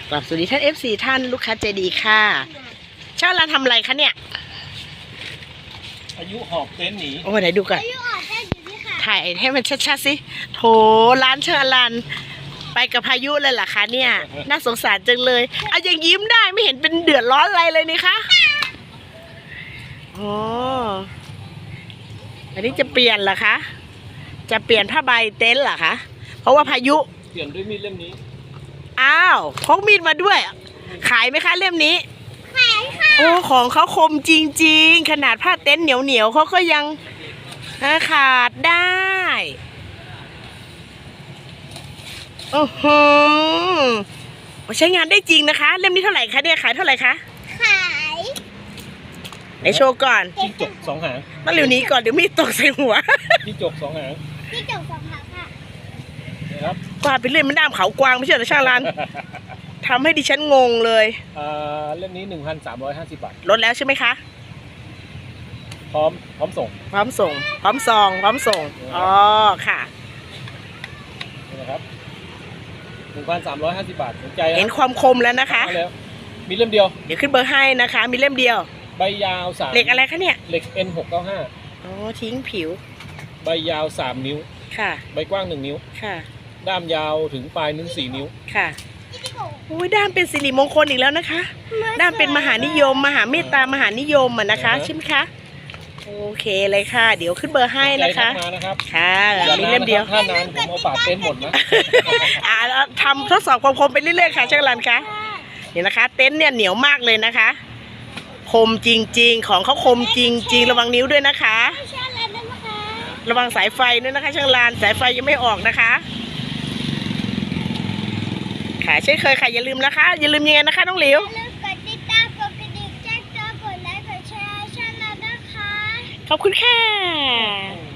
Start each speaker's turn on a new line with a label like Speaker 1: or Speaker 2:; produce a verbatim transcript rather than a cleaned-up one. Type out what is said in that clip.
Speaker 1: กราบสวัสดีท่าน เอฟ ซี ท่านลูกค้าใจดีค่ะช่างร้านทำอะไรคะเนี่ย
Speaker 2: อายุหอบเต็นท์หนี
Speaker 1: โอ้ไหนดูก่อนถ่ายให้มันชัดๆสิโถร้านเชิญรันไปกับพายุเลยเหรอคะเนี่ยน่าสงสารจังเลยเอายังยิ้มได้ไม่เห็นเป็นเดือดร้อนอะไรเลยนี่คะอ๋ออันนี้จะเปลี่ยนเหรอคะจะเปลี่ยนผ้าใบเต็นท์เหรอคะเพราะว่าพายุ
Speaker 2: เปลี่ยนด้วยมีดเล่มนี้
Speaker 1: อ้าวพกมีดมาด้วยขายไหมคะเล่มนี้
Speaker 3: ขายค่ะ
Speaker 1: โอ้ของเขาคมจริงๆขนาดผ้าเต็นท์เหนียวๆเขาก็ยังขาดได้โอ้โหใช้งานได้จริงนะคะเล่มนี้เท่าไหร่คะเนี่ยขายเท่าไหร่คะ
Speaker 3: ขาย
Speaker 1: ไหนโชว์ก่อน
Speaker 2: จิ้งจกสองหาง
Speaker 1: ต้องเร็วนี้ก่อนเดี๋ยวมีดตกใส่หัว
Speaker 2: จิ้งจกสองหาง
Speaker 3: พี่จบสองหางค่ะ
Speaker 2: นะครับ
Speaker 1: กวาดไปเรื่อยมันด้ามเขากวางไม่ใช่เหรอช่างรันทำให้ดิฉันงงเลย
Speaker 2: อ่าเล่มนี้หนึ่งพันสามร้อยห้าสิบบาท
Speaker 1: ลดแล้วใช่ไหมคะ
Speaker 2: พร้อมพร้อมส่ง
Speaker 1: พร้อมส่งพร้อมซองพร้อมส่งอ๋อค่ะ
Speaker 2: นี่นะครับหนึ่งพันสามร้อยห้าสิบบาทสนใจ
Speaker 1: เห็นความคมแล้วนะคะ
Speaker 2: แล้วมีเล่มเดียว
Speaker 1: เดี๋ยวขึ้นเบอร์ให้นะคะมีเล่มเดียว
Speaker 2: ใบยาวสาม
Speaker 1: เหล็กอะไรคะเนี่ย
Speaker 2: เหล็ก เอ็น หกเก้าห้า
Speaker 1: อ๋อทิ้งผิว
Speaker 2: ใบยาวสามนิ้ว
Speaker 1: ค่ะ
Speaker 2: ใบกว้างหนึ่งนิ้ว
Speaker 1: ค่ะ
Speaker 2: ด้ามยาวถึงปลายนิ้วสี่นิ้ว
Speaker 1: ค่ะโอ้ยด้ามเป็นสิริมงคลอีกแล้วนะคะด้ามเป็นมหานิยมมหาเมตตามหานิยมอ่ะนะคะใช่ไหมคะโอเคเลยค่ะเดี๋ยวขึ้นเบอร์ให้นะคะค่ะมีเล่มเดียว
Speaker 2: ถ้านานผมเอาฝาเต็นท์หมดนะ
Speaker 1: อ่าทำทดสอบความคมไปเรื่อยๆค่ะช่างรันคะนี่นะคะเต็นท์เนี่ยเหนียวมากเลยนะคะคมจริงๆของเขาคมจริงๆระวังนิ้วด้วยนะคะระวังสายไฟด้วยนะคะช่างรันสายไฟยังไม่ออกนะคะค่ะเช่นเคยค่ะอย่าลืมนะคะอย่าลืมยังไงนะคะน้องหลิว
Speaker 3: อย่าลืมกดติดตามกดกระดิ่งแจ้งเตือนกดไลค์กดแชร์ช่องเรานะคะ
Speaker 1: ขอบคุณค่ะ